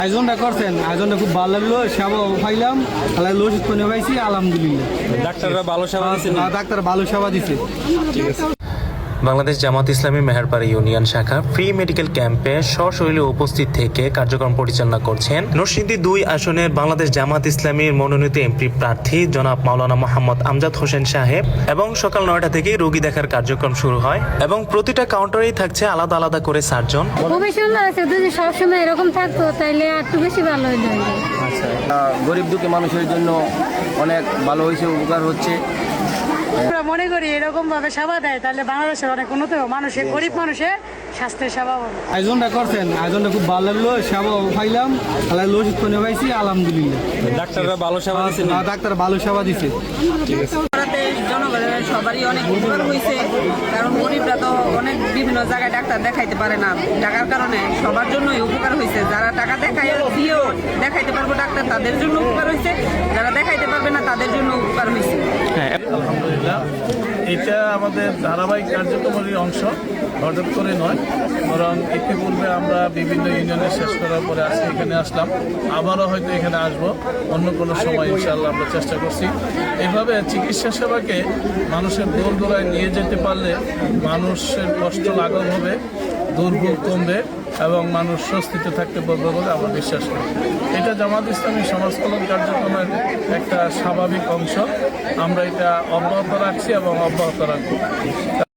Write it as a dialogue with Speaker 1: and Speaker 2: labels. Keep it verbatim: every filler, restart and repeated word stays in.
Speaker 1: আয়োজনটা করছেন, আয়োজনটা খুব ভালো লাগলো। সেবা পাইলাম, তাহলে ওষুধ পানি পাইছি, আলহামদুলিল্লাহ।
Speaker 2: ডাক্তাররা ভালো সেবা দিচ্ছে,
Speaker 1: ডাক্তার ভালো সেবা দিচ্ছে।
Speaker 2: ঠিক আছে।
Speaker 3: বাংলাদেশ জামাত ইসলামী মেহেরপাড়া ইউনিয়ন শাখা ফ্রি মেডিকেল ক্যাম্পে সশরীরে উপস্থিত থেকে কার্যক্রম পরিচালনা করছেন নরসিংদী দুই আসনের বাংলাদেশ জামাত ইসলামীর মনোনীত এমপি প্রার্থী জনাব মাওলানা মোহাম্মদ আমজাদ হোসেন সাহেব। এবং সকাল নয়টা থেকে রোগী দেখার কার্যক্রম শুরু হয় এবং প্রতিটা কাউন্টারেই থাকছে আলাদা আলাদা করে সার্জন।
Speaker 4: খুবই সুন্দর আছে, যদি সবসময় এরকম থাকতো তাহলে একটু বেশি ভালো হয়ে যাবে।
Speaker 2: আচ্ছা,
Speaker 5: গরিব দুঃখী মানুষের জন্য অনেক ভালো হয়েছে, উপকার হচ্ছে।
Speaker 6: আমরা মনে করি এরকম ভাবে সেবা দেয় তাহলে বাংলাদেশের অনেক উন্নত হবে, মানুষের গরিব মানুষের স্বাস্থ্যের সেবা হবে।
Speaker 1: আয়োজনটা করছেন, আয়োজনটা খুব ভালো লাগলো। সেবা পাইলাম, তাহলে ওষুধ পানি পাইছি, আলহামদুলিল্লাহ।
Speaker 2: ডাক্তাররা ভালো সেবা দিচ্ছে,
Speaker 1: ডাক্তার ভালো সেবা দিচ্ছে।
Speaker 2: ঠিক আছে।
Speaker 7: জনগণের সবারই অনেক উপকার হয়েছে, কারণ গরিবরা তো অনেক বিভিন্ন জায়গায় ডাক্তার দেখাইতে পারে না, টাকার কারণে সবার জন্যই উপকার হয়েছে। যারা টাকা দেখায় দিয়েও দেখাইতে পারবো ডাক্তার, তাদের জন্য উপকার হয়েছে। যারা দেখাইতে পারবে না তাদের জন্য উপকার হয়েছে।
Speaker 8: আলহামদুলিল্লাহ, এটা আমাদের ধারাবাহিক কার্যক্রমের অংশ, হঠাৎ করে নয়। বরং ইতিপূর্বে আমরা বিভিন্ন ইউনিয়নে শেষ করার পরে আজকে এখানে আসলাম, আবারও হয়তো এখানে আসবো অন্য কোনো সময় ইনশাআল্লাহ। আমরা চেষ্টা করছি এভাবে চিকিৎসা সেবাকে মানুষের দোর গোড়ায় নিয়ে যেতে পারলে মানুষের কষ্ট লাঘব হবে, দুর্ভোগ কমবে এবং মানুষ স্বস্তিতে থাকতে পারবে বলে আমরা বিশ্বাস করি। এটা জামাত ইসলামী সমাজ কল্যাণ কার্যক্রমের একটা স্বাভাবিক অংশ। আমরা এটা অব্যাহত রাখছি এবং অব্যাহত রাখবো।